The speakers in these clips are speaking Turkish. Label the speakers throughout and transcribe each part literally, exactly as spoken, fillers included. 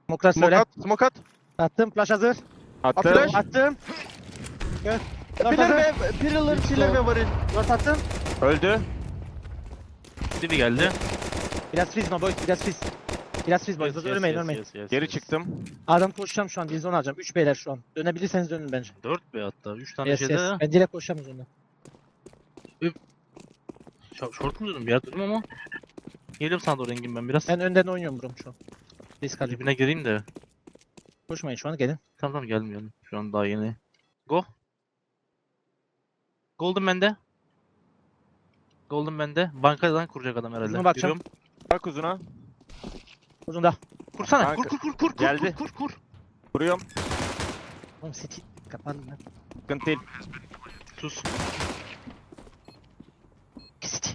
Speaker 1: Smoke'lar
Speaker 2: Smoke
Speaker 1: söyle.
Speaker 2: at, smoke at.
Speaker 1: Attım. Flash hazır.
Speaker 2: At
Speaker 3: Attım.
Speaker 2: flash.
Speaker 1: Attım. Gör. Dört
Speaker 2: Pillar
Speaker 1: hazır.
Speaker 2: ve pillar, pillar ve varil.
Speaker 1: Dört attım.
Speaker 3: Öldü.
Speaker 4: Dibi geldi.
Speaker 1: Biraz freeze no boy. Biraz freeze. Biraz freeze boy.
Speaker 4: Yes, yes,
Speaker 1: Ölmeyin
Speaker 4: yes,
Speaker 1: ölmeyin.
Speaker 4: yes, yes,
Speaker 3: Geri
Speaker 4: yes.
Speaker 3: çıktım.
Speaker 1: Adam koşacağım şu an. Dilzon alacağım. üç beyler şu an. Dönebilirseniz dönün bence.
Speaker 4: dört be hatta. üç tane
Speaker 1: Yes
Speaker 4: şeyde.
Speaker 1: yes. Ben direkt koşacağım üzerine.
Speaker 4: Ş- Short mu durdum? Bir yer durdum ama. Geliyorum sana doğru Engin ben biraz.
Speaker 1: Ben önden oynuyorum brom şu an. Risk alayım.
Speaker 4: Dibine gireyim de.
Speaker 1: Koşmayın şu an gelin.
Speaker 4: Tamam tamam geldim geldim. Şu an daha yeni. Go. Golden bende. Golden bende. Bankadan kuracak adam herhalde.
Speaker 1: Uzuna bakacağım.
Speaker 4: Yürüyorum.
Speaker 3: Bak uzuna.
Speaker 1: Uzunda.
Speaker 4: Kursana.
Speaker 3: Kanka.
Speaker 4: Kur kur kur kur kur
Speaker 3: Geldi.
Speaker 4: kur kur kur.
Speaker 3: Vuruyorum.
Speaker 1: Oğlum city. Kapandım ben.
Speaker 3: Sıkıntı değil.
Speaker 4: Sus.
Speaker 1: City.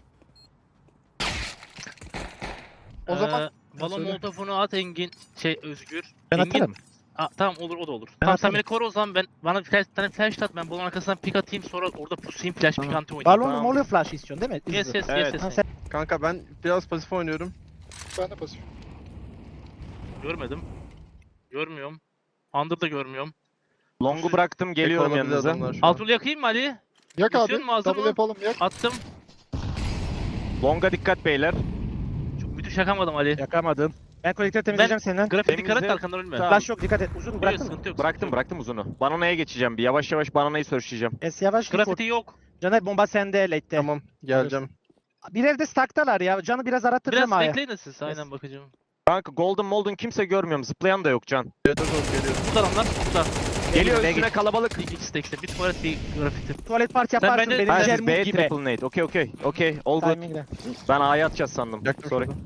Speaker 2: O zaman-
Speaker 4: Ee, balon
Speaker 2: Söyle.
Speaker 4: molotofunu at Engin. Şey Özgür.
Speaker 1: Ben
Speaker 4: Engin.
Speaker 1: atarım.
Speaker 4: Aa, tamam olur o da olur.
Speaker 1: Ben
Speaker 4: tamam sen
Speaker 1: atarım.
Speaker 4: beni koru o zaman ben bana bir flash, tane flash at ben balon arkasından pick atayım sonra orada pusayım flash pick anti oynayayım.
Speaker 1: Balon
Speaker 3: Tamam.
Speaker 1: mu oluyor flash istiyorsun değil mi?
Speaker 4: Yes
Speaker 1: Hızlı.
Speaker 4: yes
Speaker 3: Evet.
Speaker 4: yes yes.
Speaker 1: Tamam, sen
Speaker 2: Kanka ben biraz pasif oynuyorum.
Speaker 5: Ben de pasif.
Speaker 4: Görmedim. Görmüyorum. Under da görmüyorum.
Speaker 3: Long'u bıraktım geliyorum
Speaker 2: Tek olabilir
Speaker 3: yanınıza.
Speaker 2: adamlar şu an.
Speaker 4: Altını yakayım mı Ali?
Speaker 5: Yak
Speaker 4: İstiyor
Speaker 5: abi.
Speaker 4: mu, hazır
Speaker 5: Double
Speaker 4: mı?
Speaker 5: yapalım yak.
Speaker 4: Attım.
Speaker 3: Long'a dikkat beyler.
Speaker 4: Çok müthiş yakamadım Ali.
Speaker 1: yakamadım. Ben kolektörü temizleyeceğim senden.
Speaker 4: Grafik dikkat et
Speaker 3: Temizle.
Speaker 4: arkandan ölme.
Speaker 3: Tamam.
Speaker 1: Flash yok dikkat et. Uzun
Speaker 4: Yok,
Speaker 1: bıraktın mı?
Speaker 4: sıkıntı yok.
Speaker 3: Bıraktım
Speaker 4: sıkıntı yok.
Speaker 3: bıraktım uzunu. Banana'ya geçeceğim bir. Yavaş yavaş Banana'yı searchleyeceğim.
Speaker 1: Es yavaş.
Speaker 4: Grafiti yok.
Speaker 1: Caner bomba sende late'te.
Speaker 2: Tamam geleceğim.
Speaker 1: Bir evde stack'talar ya. Canı biraz arattıracağım
Speaker 4: Biraz
Speaker 1: A'ya.
Speaker 4: bekleyin de siz. Aynen bakacağım.
Speaker 3: Kanka Golden Molden kimse görmüyorum. Zıplayan da yok Can.
Speaker 2: Evet evet geliyor.
Speaker 4: Burada adamlar. Burada.
Speaker 3: Geliyor
Speaker 1: B'ye
Speaker 3: üstüne
Speaker 1: git.
Speaker 3: kalabalık.
Speaker 4: İkisi de ikisi de. Bir tuvalet bir grafiti.
Speaker 1: Tuvalet parti
Speaker 4: Sen
Speaker 1: yaparsın
Speaker 4: bence-
Speaker 1: benim
Speaker 3: Ha
Speaker 4: Güzel
Speaker 3: siz
Speaker 1: Jermut
Speaker 3: B
Speaker 1: gibi.
Speaker 3: triple nade. Okey okey. Okey. All good.
Speaker 1: Timing'le.
Speaker 3: Ben A'ya atacağız sandım.
Speaker 2: Yaktım
Speaker 3: Sorry.
Speaker 2: şurada.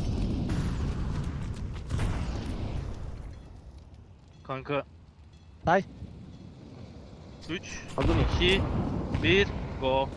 Speaker 4: Kanka.
Speaker 1: Say.
Speaker 4: üç,
Speaker 2: Hazır mı?
Speaker 4: iki, bir, go.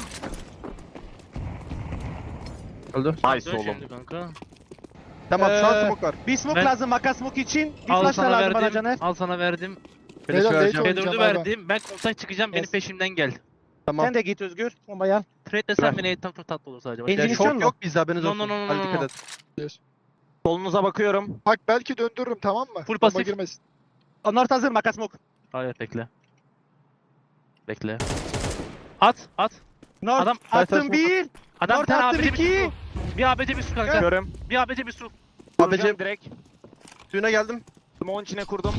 Speaker 2: Öldü.
Speaker 3: Nice
Speaker 4: Dön
Speaker 3: oğlum.
Speaker 4: şimdi kanka.
Speaker 2: Tamam şu an
Speaker 1: Ee,
Speaker 2: smoke var.
Speaker 1: Bir smoke
Speaker 4: Ben-
Speaker 1: lazım Maka smoke için. Bir
Speaker 4: Al
Speaker 1: flash da
Speaker 4: sana
Speaker 1: lazım bana
Speaker 4: verdim.
Speaker 1: Caner.
Speaker 4: Al sana verdim.
Speaker 2: Flash
Speaker 5: Beyler,
Speaker 2: vereceğim.
Speaker 5: late
Speaker 4: B dördü
Speaker 5: oynayacağım abi.
Speaker 4: verdim. Ben kontak çıkacağım. Benim
Speaker 1: Yes.
Speaker 4: peşimden gel.
Speaker 2: Tamam.
Speaker 1: Sen de git Özgür. Bombayı al.
Speaker 4: Trade desen beni tam çok tatlı olur sadece. Bak,
Speaker 1: Engine
Speaker 2: Ya
Speaker 4: gel.
Speaker 1: istiyor
Speaker 2: çok
Speaker 1: mu?
Speaker 2: yok bizde haberiniz
Speaker 4: No,
Speaker 2: olsun.
Speaker 4: no, no, no,
Speaker 2: Hadi
Speaker 4: no,
Speaker 2: dikkat
Speaker 4: no.
Speaker 2: et.
Speaker 3: Solunuza bakıyorum.
Speaker 5: Bak belki döndürürüm tamam mı?
Speaker 4: Full
Speaker 5: Bomba
Speaker 4: pasif.
Speaker 5: girmesin.
Speaker 1: Onlar hazır Maka smoke.
Speaker 4: Hayır bekle. Bekle. At at.
Speaker 1: North
Speaker 4: Adam-
Speaker 1: attım
Speaker 2: Adam-
Speaker 1: bir.
Speaker 4: Adam bir
Speaker 1: North
Speaker 4: tane
Speaker 1: attım
Speaker 4: A B C bir
Speaker 1: iki.
Speaker 4: su. Bir A B C bir su kanka.
Speaker 3: Görüm.
Speaker 4: Bir A B C bir su.
Speaker 2: A B C
Speaker 3: Kuracağım direkt.
Speaker 2: suyuna geldim.
Speaker 3: Smoke'un içine kurdum.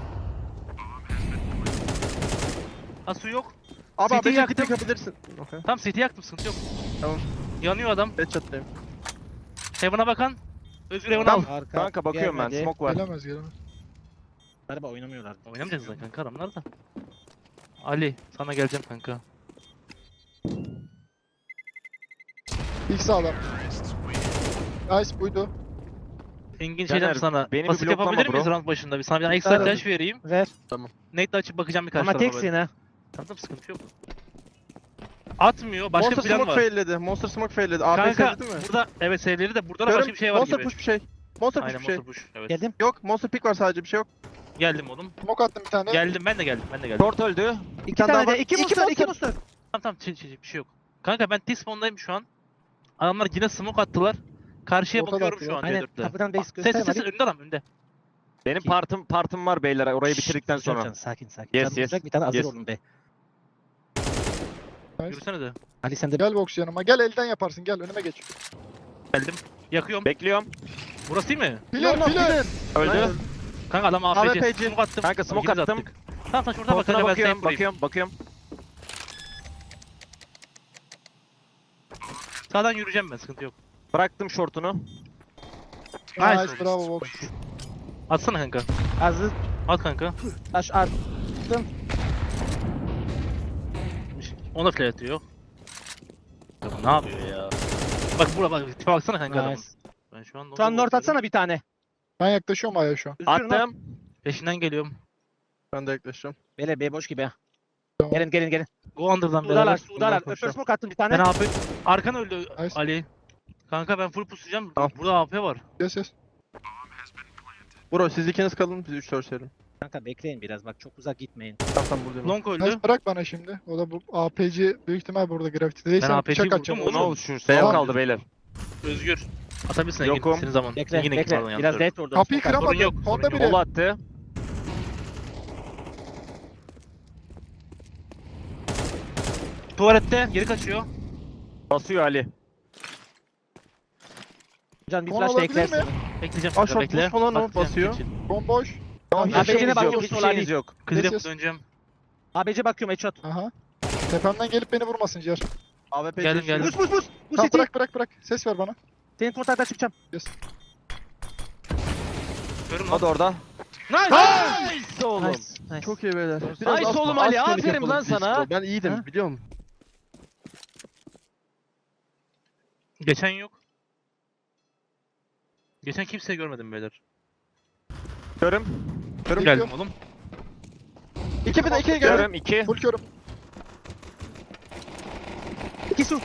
Speaker 4: Ha su yok.
Speaker 2: Abi
Speaker 4: City'yi
Speaker 2: A B C
Speaker 4: yaktım.
Speaker 2: tek yapabilirsin. Okay.
Speaker 4: Tam City'yi yaktım sıkıntı yok.
Speaker 2: Tamam.
Speaker 4: Yanıyor adam.
Speaker 2: Headshot'tayım.
Speaker 4: Heaven'a bakan. Özgür Heaven'a al.
Speaker 1: Arka.
Speaker 3: Kanka bakıyorum ben.
Speaker 1: gelmedi.
Speaker 3: Smoke var.
Speaker 5: Gelemez gelemez.
Speaker 1: Galiba oynamıyorlar.
Speaker 4: Oynamayacağız zaten kanka adamlar da. Ali sana geleceğim kanka.
Speaker 5: İlk sağlam. Nice buydu.
Speaker 4: Engin
Speaker 3: Caner,
Speaker 4: şeyden sana.
Speaker 3: beni bir
Speaker 4: Basit
Speaker 3: bloklama
Speaker 4: yapabilir miyiz
Speaker 3: bro.
Speaker 4: round başında? Bir sana bir tane ekstra
Speaker 1: Ver.
Speaker 4: flash vereyim.
Speaker 1: Ver.
Speaker 4: Nate'le açıp bakacağım birkaç
Speaker 1: Ama
Speaker 4: tarafa
Speaker 1: teksin
Speaker 4: böyle.
Speaker 1: ha.
Speaker 4: Tamam tamam sıkıntı yok. Atmıyor. Başka
Speaker 2: Monster
Speaker 4: bir plan
Speaker 2: smoke
Speaker 4: var.
Speaker 2: failledi. Monster smoke failledi. A P
Speaker 4: Kanka
Speaker 2: sevdi değil mi?
Speaker 4: burada evet sevleri de burada da
Speaker 2: Görüm,
Speaker 4: başka bir şey var
Speaker 2: Monster
Speaker 4: gibi.
Speaker 2: push bir şey. Monster push
Speaker 4: Aynen
Speaker 2: bir şey.
Speaker 4: monster push. Evet.
Speaker 1: Geldim.
Speaker 2: Yok monster pick var sadece bir şey yok.
Speaker 4: Geldim oğlum.
Speaker 5: Smoke attım bir tane.
Speaker 4: Geldim ben de geldim. Ben de geldim.
Speaker 3: Short öldü.
Speaker 1: İki
Speaker 2: tane
Speaker 1: tane
Speaker 2: daha
Speaker 1: de.
Speaker 2: var.
Speaker 1: İki
Speaker 2: İki
Speaker 1: monster. İki
Speaker 2: monster.
Speaker 1: monster.
Speaker 4: Tamam tamam çiğ çiğ bir şey yok. Kanka ben T-spawn'dayım şu an. Adamlar yine smoke attılar. Karşıya
Speaker 5: Ortada
Speaker 4: bakıyorum
Speaker 5: atıyor.
Speaker 4: şu an
Speaker 1: Aynen.
Speaker 4: C dörtte.
Speaker 1: Kapıdan base
Speaker 4: Ses
Speaker 1: gösterme.
Speaker 4: ses ses önünde adam önünde.
Speaker 3: Benim
Speaker 1: Ki-
Speaker 3: partım partım var beyler orayı
Speaker 1: Şşş,
Speaker 3: bitirdikten
Speaker 1: dur, dur,
Speaker 3: sonra.
Speaker 1: dur, Sakin sakin.
Speaker 3: Yes,
Speaker 1: Canım
Speaker 3: yes.
Speaker 1: uzak, Bir tane hazır
Speaker 3: Yes.
Speaker 1: olun be.
Speaker 5: Nice.
Speaker 4: Yürüsene de.
Speaker 1: Ali sen de
Speaker 5: Gel box yanıma. Gel elden yaparsın. Gel önüme geç.
Speaker 4: Geldim. Yakıyorum.
Speaker 3: Bekliyorum.
Speaker 4: Burası değil mi?
Speaker 5: Pilar
Speaker 2: No, no,
Speaker 5: pilar.
Speaker 3: Öldü.
Speaker 2: Aynen.
Speaker 4: Kanka adam A
Speaker 2: A
Speaker 4: P
Speaker 2: W
Speaker 4: C.
Speaker 2: P C.
Speaker 4: Smoke attım.
Speaker 3: Kanka smoke
Speaker 4: İkimiz
Speaker 3: attım.
Speaker 4: attık. Tamam sen şuradan bak.
Speaker 3: Short'una
Speaker 4: kanka, ben
Speaker 3: bakıyorum,
Speaker 4: seni
Speaker 3: bakıyorum, bakıyorum.
Speaker 4: Sağdan yürüyeceğim ben sıkıntı yok.
Speaker 3: Bıraktım short'unu.
Speaker 4: Nice
Speaker 5: Nice
Speaker 4: oldu.
Speaker 5: bravo box.
Speaker 4: Atsana kanka.
Speaker 1: hazır.
Speaker 4: At kanka.
Speaker 1: Taş at.
Speaker 4: Ona flash atıyor. Ya bu ne yapıyor ya? Bak buraya bak. Tipe baksana kanka adamın.
Speaker 1: Nice.
Speaker 4: Ben şu an
Speaker 1: Şu an North atsana bir tane.
Speaker 5: Ben yaklaşıyorum Aya şu an.
Speaker 1: Özgür North.
Speaker 3: Attım.
Speaker 4: Peşinden geliyorum.
Speaker 2: Ben de yaklaşacağım.
Speaker 1: Beyler B boş gibi ha.
Speaker 5: Tamam.
Speaker 1: Gelin gelin gelin.
Speaker 4: Go under'dan
Speaker 1: Sudalar
Speaker 4: beraber.
Speaker 1: sudalar.
Speaker 2: Bundan
Speaker 1: Öpür
Speaker 2: konuşalım.
Speaker 1: smoke attım bir
Speaker 4: Ben
Speaker 1: tane.
Speaker 4: A P. Arkan öldü
Speaker 5: Nice.
Speaker 4: Ali. Kanka ben full pusacağım.
Speaker 2: Tamam.
Speaker 4: Burada A P var.
Speaker 5: Yes yes.
Speaker 2: Bro siz ikiniz kalın biz üç dört serim.
Speaker 1: Kanka bekleyin biraz bak çok uzak gitmeyin.
Speaker 2: Tamam tamam buradayım.
Speaker 4: Long öldü.
Speaker 5: Nice bırak bana şimdi. O da bu A P C büyük ihtimal burada grafiti
Speaker 4: Ben
Speaker 5: değilse
Speaker 4: A P C'yi
Speaker 5: bıçak
Speaker 4: vurdum
Speaker 5: atacağım.
Speaker 4: oğlum.
Speaker 3: Ne oldu şu? Seyir
Speaker 2: Tamam.
Speaker 3: kaldı beyler.
Speaker 4: Özgür. Atabilirsin Engin.
Speaker 3: Yokum.
Speaker 4: Senin zaman.
Speaker 1: Bekle
Speaker 4: Engin Engin
Speaker 1: bekle.
Speaker 4: pardon,
Speaker 1: Biraz
Speaker 4: yanlış
Speaker 1: dead orada.
Speaker 5: Kapıyı
Speaker 1: Smoke at.
Speaker 5: kıramadı.
Speaker 4: Sorun yok,
Speaker 5: Honda
Speaker 4: sorun yok.
Speaker 5: biri.
Speaker 3: Kol attı.
Speaker 4: Tuvalette geri kaçıyor.
Speaker 3: Basıyor Ali.
Speaker 1: Can bir
Speaker 5: Kon
Speaker 1: flash da
Speaker 5: olabilir
Speaker 1: eklersin.
Speaker 5: mi?
Speaker 4: Bekleyeceğim.
Speaker 2: Aa,
Speaker 4: kanka,
Speaker 2: short
Speaker 4: bekle.
Speaker 2: push falan o,
Speaker 4: Bakacağım,
Speaker 2: basıyor.
Speaker 4: geçin.
Speaker 5: Bomboş.
Speaker 3: Tamam,
Speaker 1: Abi
Speaker 3: hiçbir şeyiniz
Speaker 1: bekle,
Speaker 3: yok.
Speaker 1: bakıyorum,
Speaker 3: Hiçbir
Speaker 1: sol Ali.
Speaker 3: şeyiniz yok.
Speaker 4: Kızım
Speaker 5: Yes, yes.
Speaker 4: döneceğim.
Speaker 1: A B C bakıyorum headshot.
Speaker 5: Aha. Tepemden gelip beni vurmasın Ciğer.
Speaker 2: A W P
Speaker 4: Geldim,
Speaker 2: geçiyor.
Speaker 4: geldim.
Speaker 1: Bus bus bus. Bu
Speaker 5: Tamam
Speaker 1: city.
Speaker 5: bırak bırak bırak. Ses ver bana.
Speaker 1: Senin kontaktan çıkacağım.
Speaker 5: Yes.
Speaker 4: Görüm
Speaker 3: O
Speaker 4: lan.
Speaker 3: da orada.
Speaker 4: Nice!
Speaker 3: Nice oğlum.
Speaker 1: Nice. Nice.
Speaker 2: Çok iyi beyler.
Speaker 3: Nice
Speaker 2: az-
Speaker 3: oğlum
Speaker 2: az
Speaker 3: Ali,
Speaker 2: panik
Speaker 3: aferin
Speaker 2: yapalım
Speaker 3: lan
Speaker 2: biz.
Speaker 3: sana.
Speaker 2: Ben iyiydim
Speaker 1: Ha?
Speaker 2: biliyor musun?
Speaker 4: Geçen yok. Geçen kimseyi görmedim beyler.
Speaker 3: Görüm.
Speaker 2: Körüm
Speaker 5: Geliyor.
Speaker 4: Geldim oğlum.
Speaker 2: İki bir de ikiye gel.
Speaker 3: Görüm iki.
Speaker 5: Full körüm.
Speaker 1: İki su.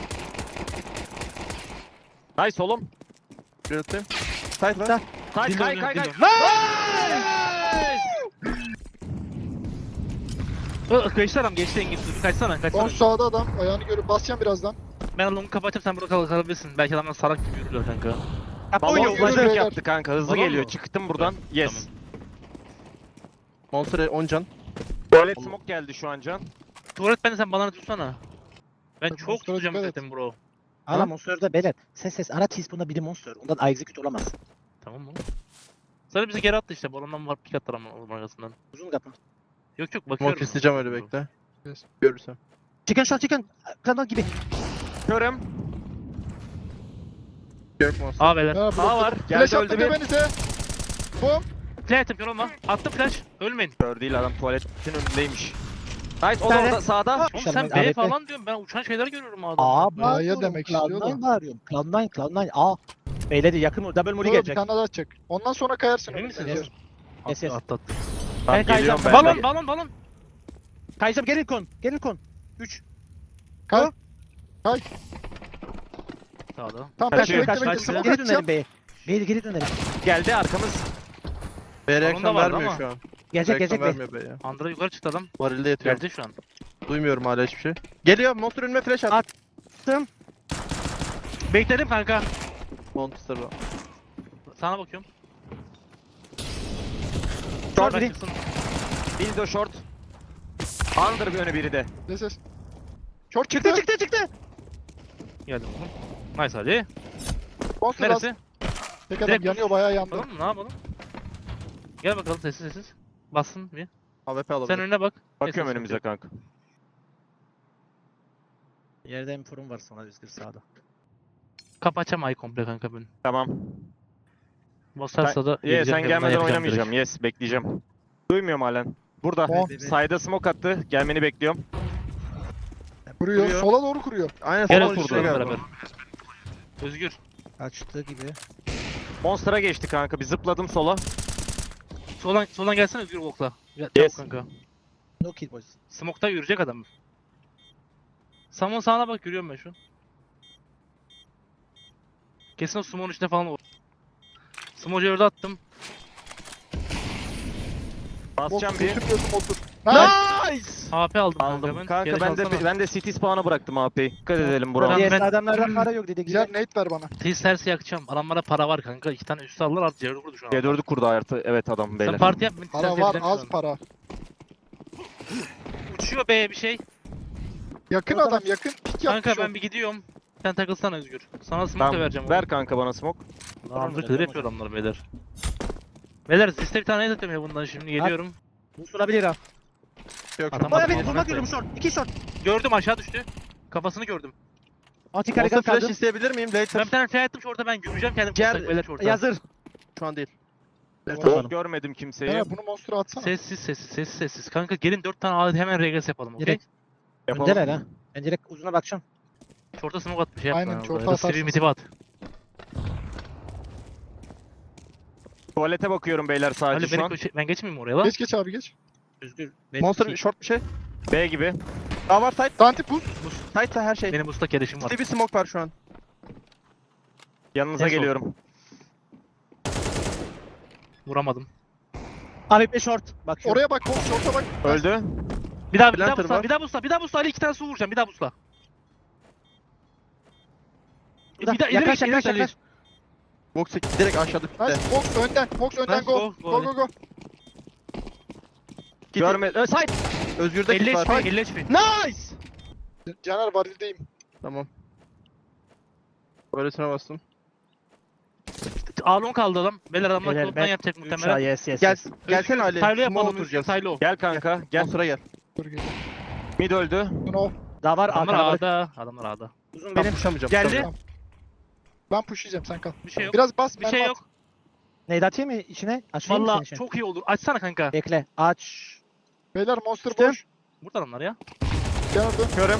Speaker 3: Nice oğlum.
Speaker 2: Bir atayım. Side var.
Speaker 1: Sağ.
Speaker 3: Kay
Speaker 4: Dil
Speaker 3: kay
Speaker 4: oynuyor,
Speaker 3: kay
Speaker 4: dil
Speaker 3: kay.
Speaker 4: oynuyor. Ö, Geçti adam geçti Engin. Dur, Kaçsana
Speaker 5: On
Speaker 4: kaçsana.
Speaker 5: sağda adam. Ayağını görüp basacağım birazdan.
Speaker 4: Ben longu kapatayım sen burada kal kalabilirsin. Belki adamlar salak gibi yürürler kanka.
Speaker 1: Kapı
Speaker 3: Balon
Speaker 1: oynuyor.
Speaker 5: yürü
Speaker 3: flash
Speaker 5: beyler.
Speaker 3: yaptı kanka. Hızlı
Speaker 4: Balon
Speaker 3: geliyor.
Speaker 4: mu?
Speaker 3: Çıktım buradan. Yes.
Speaker 2: Monster on can.
Speaker 3: Tuvalet smoke geldi şu an can.
Speaker 4: Tuvalet bende sen bana tutsana. Ben
Speaker 5: Tabii,
Speaker 4: çok
Speaker 5: monster'a
Speaker 4: tutacağım
Speaker 5: dikkat et.
Speaker 4: dedim bro.
Speaker 1: Hala Monster'da belet. Ses ses. Ara teaspoon'da biri Monster. Ondan execute olamaz.
Speaker 4: Tamam mı? Sonra bizi geri attı işte. Balondan var pik attılar ama onun arkasından.
Speaker 1: Uzun kapı.
Speaker 4: Yok yok bakıyorum.
Speaker 2: Smoke isteyeceğim öyle bekle.
Speaker 5: Yes.
Speaker 2: Görürsem.
Speaker 1: Chicken shot chicken. Kanal gibi.
Speaker 3: Görüm.
Speaker 2: Gök monster.
Speaker 4: Aa beyler.
Speaker 5: Ha,
Speaker 3: Sağ var.
Speaker 5: Flash
Speaker 3: Geldi
Speaker 5: attım
Speaker 3: öldü bir.
Speaker 5: göbenize. Bom.
Speaker 4: Flash attım yorulma. Attım flash. Ölmeyin.
Speaker 3: Kör değil adam tuvaletin önündeymiş. Nice o da
Speaker 1: tane-
Speaker 3: orada sağda.
Speaker 4: Oğlum
Speaker 1: Mükemmel,
Speaker 4: sen
Speaker 1: A B
Speaker 4: B
Speaker 1: P.
Speaker 4: falan diyorum. Ben uçan şeyler görüyorum adam.
Speaker 1: Aa
Speaker 5: A'ya
Speaker 1: bağırıyorum.
Speaker 5: demek
Speaker 1: Cloud
Speaker 5: istiyor da.
Speaker 1: nine bağırıyorum. Cloud nine, Cloud nine. Aa. Beyleri yakın o. Double muri
Speaker 5: Dur, bir
Speaker 1: gelecek.
Speaker 5: tane daha atacak. Ondan sonra kayarsın.
Speaker 4: Emin
Speaker 5: önüne.
Speaker 4: misiniz?
Speaker 5: Yes.
Speaker 1: Yes, yes.
Speaker 4: Attı attı.
Speaker 3: Tamam,
Speaker 1: Ben
Speaker 3: geliyorum
Speaker 1: kayacağım.
Speaker 3: ben.
Speaker 4: Balon balon balon.
Speaker 1: Kayacağım gelin kon. Gelin kon. üç.
Speaker 5: Kay. Kay.
Speaker 4: Sağda.
Speaker 5: Tamam
Speaker 3: Kaçıyor,
Speaker 5: bekle
Speaker 1: Kaç
Speaker 5: bekle bekle.
Speaker 1: kaç.
Speaker 5: Smoke
Speaker 1: Geri
Speaker 5: atacağım.
Speaker 1: dönelim B'ye. B'ye geri dönelim.
Speaker 3: Geldi arkamız.
Speaker 2: B
Speaker 4: Balonda
Speaker 2: reaksiyon
Speaker 4: vardı
Speaker 2: vermiyor
Speaker 4: ama.
Speaker 2: şu an.
Speaker 1: Gelecek
Speaker 2: Reaksiyon
Speaker 1: gelecek B'ye.
Speaker 2: vermiyor B ya.
Speaker 4: Andra yukarı çıktı adam.
Speaker 2: Varilde yatıyor.
Speaker 4: Geldi şu an.
Speaker 2: Duymuyorum hala hiçbir şey. Geliyor. Monster önüme flash at.
Speaker 1: At.
Speaker 4: Bekledim kanka.
Speaker 2: Monster var.
Speaker 4: Sana bakıyorum.
Speaker 1: Short
Speaker 4: Bak
Speaker 1: biri.
Speaker 4: çıksın.
Speaker 3: Dildo short. Under bir önü biri de.
Speaker 5: Yes yes. Short çıktı.
Speaker 1: Çıktı çıktı çıktı.
Speaker 4: Geldim oğlum. Nice hadi.
Speaker 5: Monster az.
Speaker 4: Neresi?
Speaker 5: Tek adam
Speaker 4: Direkt
Speaker 5: yanıyor bayağı yandı.
Speaker 4: Bakalım mı? Ne yapalım? Gel bakalım sessiz sessiz. Bassın bir.
Speaker 2: A W P
Speaker 4: Sen
Speaker 2: alabilir.
Speaker 4: önüne bak.
Speaker 3: Bakıyorum
Speaker 4: Neyse,
Speaker 3: önümüze kanka.
Speaker 1: Yerde inforum var sana Özgür sağda.
Speaker 4: Kapı açamayı komple kanka ben.
Speaker 3: Tamam.
Speaker 4: Basarsa da
Speaker 3: Ye
Speaker 4: geleceğim,
Speaker 3: sen
Speaker 4: yanından
Speaker 3: gelmeden
Speaker 4: yapacağım
Speaker 3: oynamayacağım.
Speaker 4: direkt.
Speaker 3: Yes bekleyeceğim. Duymuyorum halen. Burada.
Speaker 5: Oh.
Speaker 3: Sayda smoke attı. Gelmeni bekliyorum.
Speaker 5: Kuruyor.
Speaker 2: Kuruyor.
Speaker 5: Sola doğru kuruyor.
Speaker 2: Aynen
Speaker 4: Gel
Speaker 2: sola
Speaker 4: otur
Speaker 2: düşüyor galiba.
Speaker 4: beraber. Özgür.
Speaker 1: Kaçtı gibi.
Speaker 3: Monster'a geçti kanka. Bir zıpladım sola.
Speaker 4: Soldan soldan gelsene Özgür Volk'la. Gel
Speaker 3: Yes.
Speaker 4: çabuk kanka.
Speaker 1: No kill boys.
Speaker 4: Smoke'ta yürüyecek adam. Samon sağına bak görüyorum ben şu an. Kesin o Smoke'un içine falan olur. Smoke'u orada attım.
Speaker 3: Basacağım
Speaker 5: Monster
Speaker 3: bir.
Speaker 5: götürmüyorsun otur. Nice.
Speaker 3: Nice!
Speaker 4: A P aldım,
Speaker 3: Aldım.
Speaker 4: kanka ben.
Speaker 3: Kanka
Speaker 4: Geri
Speaker 3: ben de
Speaker 4: kalsana.
Speaker 3: ben de city spawn'a bıraktım A P'yi. Dikkat edelim
Speaker 4: Burak-
Speaker 3: bura.
Speaker 1: Diğer
Speaker 4: ben-
Speaker 1: adamlardan para yok dedi.
Speaker 5: Ciğer
Speaker 1: Güzel.
Speaker 5: nate ver bana.
Speaker 4: Teis tersi yakacağım. Adamlara para var kanka. İki tane üstü aldılar artık C dördü kurdu şu an.
Speaker 3: C dördü kurdu artı. Evet adam
Speaker 4: Sen
Speaker 3: beyler.
Speaker 4: parti yap. ben
Speaker 5: Para
Speaker 4: tersi
Speaker 5: var
Speaker 4: yapacağım şu
Speaker 5: az
Speaker 4: an.
Speaker 5: para.
Speaker 4: Uçuyor be bir şey.
Speaker 5: Yakın
Speaker 1: Orada
Speaker 5: adam
Speaker 1: bak.
Speaker 5: yakın. Pik
Speaker 4: Kanka
Speaker 5: yapmış
Speaker 4: ben
Speaker 5: o.
Speaker 4: bir gidiyorum. Sen takılsana Özgür. Sana smoke
Speaker 3: Tamam.
Speaker 4: da vereceğim.
Speaker 3: Ver kanka bana smoke.
Speaker 4: Andrı
Speaker 1: Tamam,
Speaker 4: kıdır yapıyor adamlar beyler. Beyler siste bir tane atıyorum ya bundan şimdi geliyorum.
Speaker 1: Bu sorabilir ha.
Speaker 2: Yok
Speaker 4: Adam-
Speaker 1: Baya
Speaker 4: Tamam,
Speaker 1: bir
Speaker 4: tamam.
Speaker 1: vurmak görüyorum short. İki short.
Speaker 4: Gördüm aşağı düştü. Kafasını gördüm.
Speaker 1: Anti
Speaker 2: Monster
Speaker 1: karigan
Speaker 2: flash
Speaker 1: kaldı.
Speaker 2: isteyebilir miyim?
Speaker 4: Ben
Speaker 2: Later.
Speaker 4: bir tane fly attım şorta ben göreceğim kendim.
Speaker 2: Gel,
Speaker 4: Gel, beyler şorta.
Speaker 1: Yazır.
Speaker 2: Şu an değil.
Speaker 1: Tamam.
Speaker 3: Görmedim kimseyi.
Speaker 5: Ya bunu monster'a atsana.
Speaker 4: Sessiz sessiz sessiz sessiz. Kanka gelin dört tane alet hemen regres yapalım okey?
Speaker 1: Direkt.
Speaker 3: Yapalım.
Speaker 1: Öndeler ha. Ben direkt uzuna bakacağım.
Speaker 4: Şorta smoke at bir şey yap.
Speaker 5: Aynen,
Speaker 4: bana.
Speaker 5: şorta
Speaker 4: Ya da
Speaker 5: atarsın.
Speaker 4: sivri mitifi at.
Speaker 3: Tuvalete bakıyorum beyler sadece
Speaker 4: Ali
Speaker 3: şu
Speaker 4: beni
Speaker 3: an.
Speaker 4: köşe... ben geçmeyeyim oraya lan.
Speaker 5: Geç geç abi geç.
Speaker 1: Özgür.
Speaker 2: Monster short bir şey.
Speaker 3: B gibi.
Speaker 2: Daha var side.
Speaker 5: Dante pus.
Speaker 2: Side'sa her şey.
Speaker 4: Benim usta gelişim var.
Speaker 2: Bir bir smoke var şu an.
Speaker 3: Yanınıza
Speaker 4: En son.
Speaker 3: geliyorum.
Speaker 4: Vuramadım.
Speaker 1: Abi be short. Bakıyorum.
Speaker 5: Oraya bak, boş şorta bak.
Speaker 3: Öldü.
Speaker 4: Bir daha bir daha
Speaker 2: Planter
Speaker 4: busla,
Speaker 2: var.
Speaker 4: bir daha busla, bir daha busla. Ali iki tane su vuracağım. Bir daha busla. Bir
Speaker 1: Bir daha
Speaker 4: daha ileri
Speaker 1: yaklaş
Speaker 4: git, ileri
Speaker 1: yaklaş
Speaker 4: git Ali.
Speaker 1: yaklaş.
Speaker 2: Box direkt aşağıda
Speaker 5: Nice.
Speaker 2: bitti.
Speaker 5: Box önden. Box önden
Speaker 2: Nice,
Speaker 5: go.
Speaker 4: go,
Speaker 5: Go
Speaker 4: go,
Speaker 5: go go.
Speaker 3: Görme. Ö, side.
Speaker 2: Özgür'de
Speaker 4: elli
Speaker 2: kit
Speaker 4: H P,
Speaker 2: var.
Speaker 4: elli H P.
Speaker 2: Nice!
Speaker 5: Caner varildeyim.
Speaker 2: Tamam. Böylesine bastım.
Speaker 4: Alon kaldı adam. Beyler adamlar
Speaker 1: Beyler,
Speaker 4: klondan
Speaker 1: ben
Speaker 4: yapacak
Speaker 1: üç A
Speaker 4: muhtemelen.
Speaker 1: yes yes.
Speaker 2: Gel,
Speaker 1: yes.
Speaker 2: gelsene Ali.
Speaker 4: Silo
Speaker 2: Smoke
Speaker 4: yapalım.
Speaker 2: oturacağız.
Speaker 4: Silo.
Speaker 3: Gel kanka.
Speaker 2: Gel.
Speaker 3: Gel.
Speaker 2: Sıra gel.
Speaker 5: Dur gel.
Speaker 3: Mid öldü.
Speaker 5: No.
Speaker 1: Daha var
Speaker 4: Adamlar
Speaker 1: arkana bırak.
Speaker 4: A'da. Adamlar A'da.
Speaker 1: Uzun
Speaker 2: Ben
Speaker 1: benim.
Speaker 2: pushamayacağım.
Speaker 3: Geldi.
Speaker 2: pushamayacağım.
Speaker 5: Ben pushlayacağım sen kal.
Speaker 4: Bir şey yok.
Speaker 5: Biraz bas.
Speaker 4: Bir
Speaker 5: ben
Speaker 4: şey
Speaker 5: at.
Speaker 4: yok.
Speaker 1: Neydi atayım mı içine? Açayım mı senin
Speaker 4: Valla
Speaker 1: için?
Speaker 4: çok iyi olur. Açsana kanka.
Speaker 1: Bekle. Aç.
Speaker 5: Beyler monster
Speaker 1: İşte.
Speaker 5: boş.
Speaker 4: Burada adamlar ya.
Speaker 5: Caner dön.
Speaker 3: Körüm.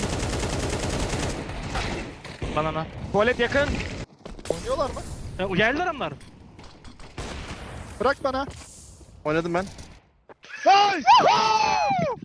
Speaker 4: Banana.
Speaker 3: Tuvalet yakın.
Speaker 5: Oynuyorlar mı?
Speaker 4: Ya, o geldi adamlar.
Speaker 5: Bırak bana.
Speaker 2: Oynadım ben.
Speaker 5: Nice.